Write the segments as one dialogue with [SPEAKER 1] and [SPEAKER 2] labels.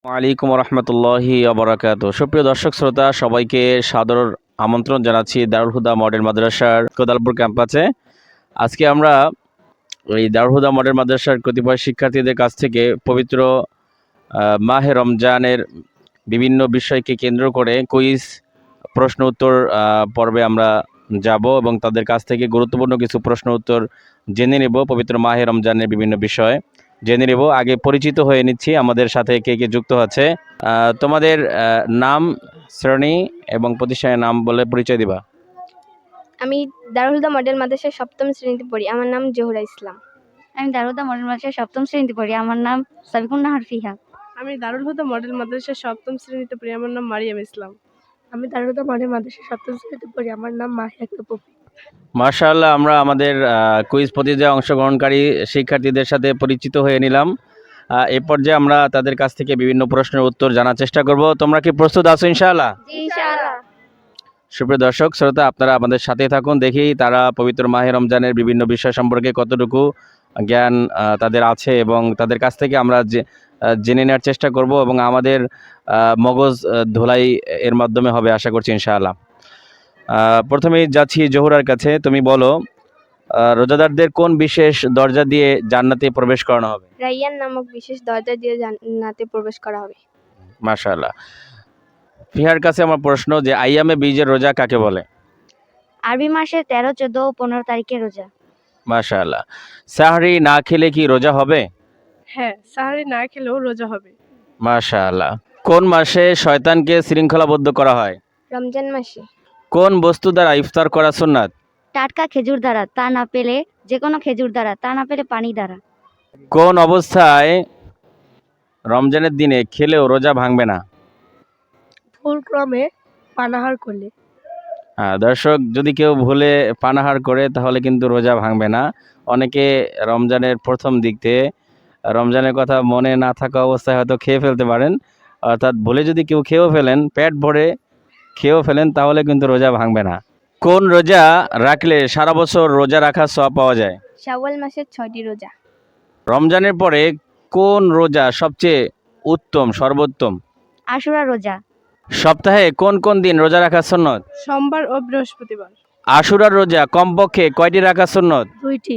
[SPEAKER 1] ওয়ালাইকুম রহমতুল্লাহি আবরাকাত। সুপ্রিয় দর্শক শ্রোতা, সবাইকে সাদর আমন্ত্রণ জানাচ্ছি দারুল হুদা মডেল মাদ্রাসার কোদালপুর ক্যাম্পাসে। আজকে আমরা ওই দারুল হুদা মডেল মাদ্রাসার কতিপয় শিক্ষার্থীদের কাছ থেকে পবিত্র মাহে রমজানের বিভিন্ন বিষয়কে কেন্দ্র করে কুইজ প্রশ্ন উত্তর পর্বে আমরা যাব এবং তাদের কাছ থেকে গুরুত্বপূর্ণ কিছু প্রশ্ন উত্তর জেনে নেব। পবিত্র মাহে রমজানের বিভিন্ন বিষয় জেনে নেব। আগে পরিচিত হয়ে নিচ্ছি, আমাদের সাথে কে কে যুক্ত আছে। তোমাদের নাম, শ্রেণী এবং প্রতিষ্ঠানের নাম বলে পরিচয় দিবা।
[SPEAKER 2] আমি দারুল হুদা মডেল মাদ্রাসার সপ্তম শ্রেণীতে পড়ি। আমার নাম জোহরা ইসলাম।
[SPEAKER 3] আমি দারুল হুদা মডেল মাদ্রাসার সপ্তম শ্রেণীতে পড়ি। আমার নাম সাবিকুন নাহার ফিহা।
[SPEAKER 4] আমি দারুল হুদা মডেল মাদ্রাসার সপ্তম শ্রেণীতে পড়ি। আমার নাম মারিয়াম ইসলাম।
[SPEAKER 5] আমি দারুল হুদা মডেল মাদ্রাসার সপ্তম শ্রেণীতে পড়ি। আমার নাম মাহিয়া আক্তার পপি।
[SPEAKER 1] মাশাআল্লাহ, আমরা আমাদের কুইজ প্রতিযোগিতায় অংশগ্রহণকারী শিক্ষার্থীদের সাথে পরিচিত হয়ে নিলাম। এই পর্যায়ে আমরা তাদের কাছ থেকে বিভিন্ন প্রশ্নের উত্তর জানার চেষ্টা করব। তোমরা কি প্রস্তুত আছো ইনশাআল্লাহ?
[SPEAKER 3] জি ইনশাআল্লাহ।
[SPEAKER 1] সুপ্রিয় দর্শক শ্রোতা, আপনারা আমাদের সাথে থাকুন, দেখি তারা পবিত্র মাহে রমজানের বিভিন্ন বিষয় সম্পর্কে কতটুকু জ্ঞান তাদের আছে এবং তাদের কাছ থেকে আমরা জেনে নেওয়ার চেষ্টা করব এবং আমাদের মগজ ধোলাই এর মাধ্যমে হবে আশা করছি ইনশাআল্লাহ। প্রথমেই যাচ্ছি জোহরার কাছে। তুমি বলো, রোজাদারদের কোন বিশেষ দরজা দিয়ে জান্নাতে প্রবেশ করানো হবে?
[SPEAKER 2] রাইয়ান নামক বিশেষ দরজা দিয়ে জান্নাতে প্রবেশ করা হবে।
[SPEAKER 1] মাশাআল্লাহ। ফিহার কাছে আমার প্রশ্ন যে আইয়ামে বীজের রোজা কাকে বলে?
[SPEAKER 3] আরবি মাসের 13, 14 ও 15 তারিখে রোজা।
[SPEAKER 1] মাশাআল্লাহ। সাহরি না খেলে কি রোজা হবে?
[SPEAKER 4] হ্যাঁ, সাহারি না খেলেও রোজা হবে।
[SPEAKER 1] মাশাআল্লাহ। কোন মাসে শয়তানকে শৃঙ্খলাবদ্ধ করা হয়?
[SPEAKER 2] রমজান মাসে।
[SPEAKER 1] কোন বস্তু দ্বারা ইফতার করা সুন্নাত?
[SPEAKER 3] টাটকা খেজুর দ্বারা, তা না পেলে যে কোনো খেজুর দ্বারা, তা না পেলে পানি দ্বারা।
[SPEAKER 1] কোন অবস্থায় রমজানের দিনে খেলেও রোজা ভাঙবে না?
[SPEAKER 5] ভুল ক্রমে পানাহার করলে।
[SPEAKER 1] দর্শক, যদি কেউ ভুলে পানাহার করে তাহলে কিন্তু রোজা ভাঙবে না। অনেকে রমজানের প্রথম দিক থেকে রমজানের কথা মনে না থাকা অবস্থায় হয়তো খেয়ে ফেলতে পারেন, অর্থাৎ ভুলে যদি কেউ খেয়েও ফেলেন, পেট ভরে খেয়েও ফেলেন, তাহলে কিন্তু রোজা ভাঙবে না। কোন রোজা রাখলে সারা বছর রোজা রাখার সওয়াব পাওয়া যায়?
[SPEAKER 2] শাওয়াল মাসের 6টি রোজা।
[SPEAKER 1] রমজানের পরে কোন রোজা সবচেয়ে উত্তম, সর্বোত্তম?
[SPEAKER 3] আশুরা রোজা।
[SPEAKER 1] সপ্তাহে কোন কোন দিন রোজা রাখা সুন্নত?
[SPEAKER 4] সোমবার ও বৃহস্পতিবার।
[SPEAKER 1] আশুরার রোজা কমপক্ষে কয়টি রাখা সুন্নত?
[SPEAKER 5] 2টি।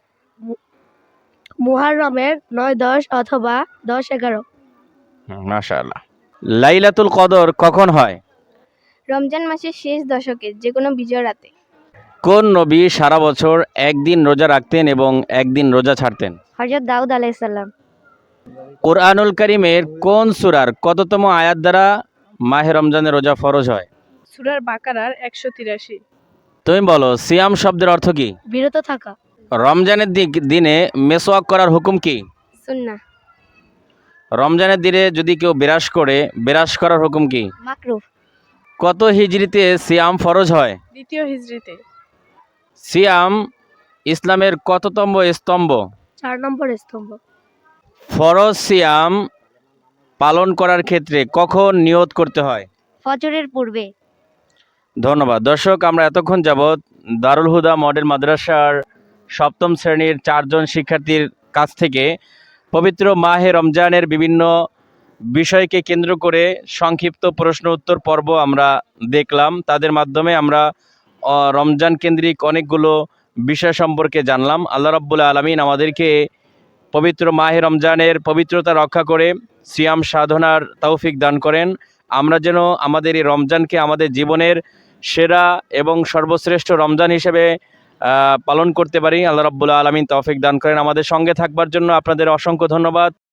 [SPEAKER 5] মুহাররমের 9, 10 অথবা 10, 11।
[SPEAKER 1] মাশাআল্লাহ। লাইলাতুল কদর কখন হয়?
[SPEAKER 2] রমজান মাসের শেষ দশকে যে কোনো বিজয় রাতে।
[SPEAKER 1] কোন নবী সারা বছর একদিন রোজা রাখতেন এবং একদিন রোজা ছাড়তেন?
[SPEAKER 3] হযরত দাউদ আলাইহিস সালাম।
[SPEAKER 1] কোরআনুল কারীমের কোন সূরার কততম আয়াত দ্বারা মাহে রমজানের রোজা ফরজ হয়?
[SPEAKER 4] সূরার বাকারার 183।
[SPEAKER 1] তুমি বলো, সিয়াম শব্দের অর্থ কি?
[SPEAKER 5] বিরত থাকা।
[SPEAKER 1] রমজানের দিনে মেসওয়াক করার হুকুম কি?
[SPEAKER 2] সুন্নাহ।
[SPEAKER 1] রমজানের দিনে যদি কেউ বিরাস করে, বিরাস করার হুকুম কি?
[SPEAKER 3] মাকরুহ।
[SPEAKER 1] কত হিজরিতে সিয়াম ফরজ হয়?
[SPEAKER 4] দ্বিতীয় হিজরিতে।
[SPEAKER 1] সিয়াম ইসলামের কততম স্তম্ভ?
[SPEAKER 5] 4 নম্বর স্তম্ভ।
[SPEAKER 1] ফরজ সিয়াম পালন করার ক্ষেত্রে কখন নিয়ত করতে হয়?
[SPEAKER 3] ফজরের পূর্বে।
[SPEAKER 1] ধন্যবাদ। দর্শক, আমরা এতক্ষণ যাবৎ দারুল হুদা মডেল মাদ্রাসার সপ্তম শ্রেণীর 4 জন শিক্ষার্থীর কাছ থেকে পবিত্র মাহে রমজানের বিভিন্ন বিষয়কে কেন্দ্র করে সংক্ষিপ্ত প্রশ্ন উত্তর পর্ব আমরা দেখলাম। তাদের মাধ্যমে আমরা রমজান কেন্দ্রিক অনেকগুলো বিষয় সম্পর্কে জানলাম। আল্লাহ রাব্বুল আলামিন আমাদেরকে পবিত্র মাহে রমজানের পবিত্রতা রক্ষা করে সিয়াম সাধনার তৌফিক দান করেন। আমরা যেন আমাদের এই রমজানকে আমাদের জীবনের সেরা এবং সর্বশ্রেষ্ঠ রমজান হিসেবে পালন করতে পারি। আল্লাহ রাব্বুল আলামিন তৌফিক দান করেন। আমাদের সঙ্গে থাকবার জন্য আপনাদের অসংখ্য ধন্যবাদ।